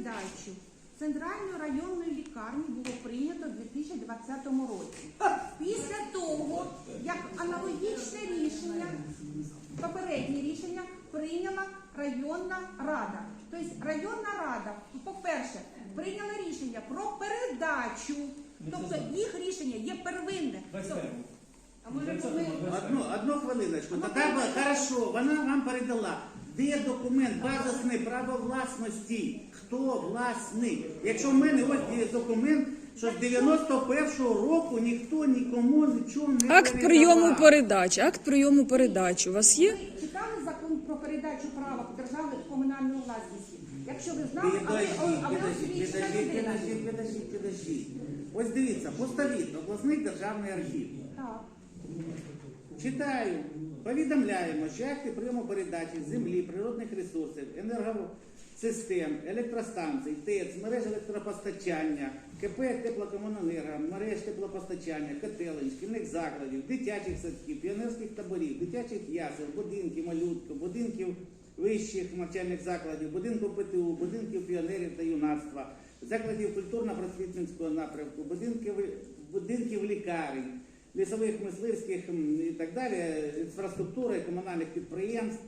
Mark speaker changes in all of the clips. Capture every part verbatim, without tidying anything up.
Speaker 1: передачу Центральної районної лікарні було прийнято у дві тисячі двадцятому році. Після того, як аналогічне рішення, попереднє рішення прийняла районна рада. Тобто районна рада, по-перше, прийняла рішення про передачу, тобто їх рішення є первинне. А може ми...
Speaker 2: Одну, одну хвилиночку. Тоді, хорошо, вона вам передала. Де документ базисне право власності? Хто власник? Якщо в мене ось є документ, що з дев'яносто першого року ніхто нікому нічого не передавав.
Speaker 3: Акт прийому передачі. Акт прийому передачі у вас є?
Speaker 1: Ви читали закон про передачу права держави в комунальну власність? Якщо ви знали, а ви, а ви освічена людина.
Speaker 2: Підождіть, підождіть, підождіть. Ось дивіться, Постовіт, обласний державний архів.
Speaker 1: Так.
Speaker 2: Читаю. Повідомляємо, що акти прийому передачі землі, природних ресурсів, енергосистем, електростанцій, ТЕЦ, мереж електропостачання, КП теплокомуненерго, мереж теплопостачання, котелень, шкільних закладів, дитячих садків, піонерських таборів, дитячих ясел, будинків малютку, будинків вищих навчальних закладів, будинків ПТУ, будинків піонерів та юнацтва, закладів культурно-просвітницького напрямку, будинків, будинків лікарень, лісових, мисливських і так далі, інфраструктури, комунальних підприємств,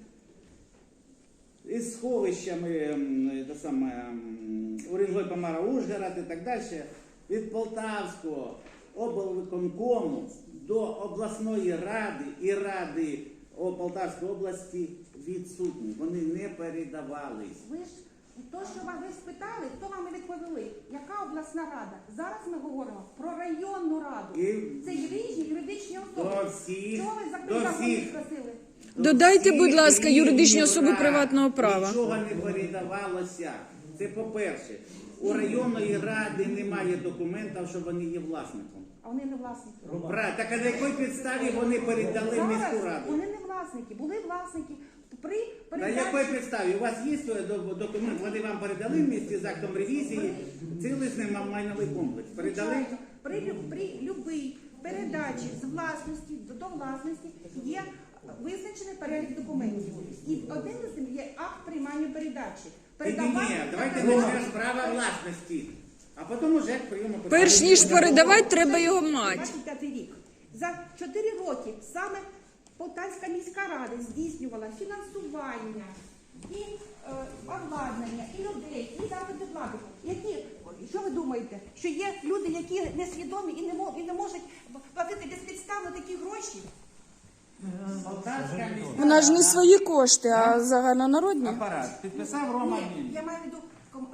Speaker 2: із сховищами те саме, Уренгой, Помара, Ужгород і так далі, від Полтавського облвиконкому до обласної ради і ради Полтавської області відсутні. Вони не передавались.
Speaker 1: Ви ж, то, що ви спитали, то вам і відповіли. Яка обласна рада? Зараз ми говоримо про районну раду.
Speaker 2: І
Speaker 1: Це різні юридичні особи.
Speaker 2: до всіх,
Speaker 1: Чого ви
Speaker 2: до
Speaker 1: за
Speaker 2: всіх.
Speaker 1: спросили?
Speaker 3: Додайте,
Speaker 2: Всіх
Speaker 3: будь ласка, юридичні
Speaker 2: рівнів
Speaker 3: особи
Speaker 2: рад.
Speaker 3: приватного права.
Speaker 2: Нічого не передавалося. Це по-перше. У районної ради немає документів, що вони є власником.
Speaker 1: А вони не власники.
Speaker 2: Брат, так а на якій підставі вони передали в міську
Speaker 1: Зараз
Speaker 2: раду?
Speaker 1: вони не власники, були власники. При
Speaker 2: На
Speaker 1: передачі...
Speaker 2: якій підставі? У вас є документ, вони вам передали в місті з актом ревізії цілісний майновий комплекс? Передали?
Speaker 1: Звичайно, При, лю- при любій передачі з власності до, до власності є визначений перелік документів. І один з них є акт приймання передачі.
Speaker 2: Ні, ні, давайте почнемо з права власності, а потім уже прийому передачі.
Speaker 3: Перш ніж передавати, треба його мати.
Speaker 1: двадцять п'ятий рік. За чотири роки саме Полтавська міська рада здійснювала фінансування і е, обладнання, і людей, і заходи влади. Які, що ви думаєте, що є люди, які несвідомі і не, мож, і не можуть платити безпідставно такі гроші?
Speaker 2: Полтавська міська
Speaker 3: Вона ж не свої кошти, а загальнонародні.
Speaker 2: апарат. Підписав Рома
Speaker 1: Ні,
Speaker 2: Мін.
Speaker 1: я маю в виду ком-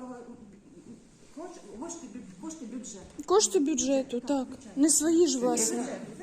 Speaker 1: е, кошти, кошти бюджету.
Speaker 3: Кошти бюджету, так. Не свої ж власне.
Speaker 1: Бюджету.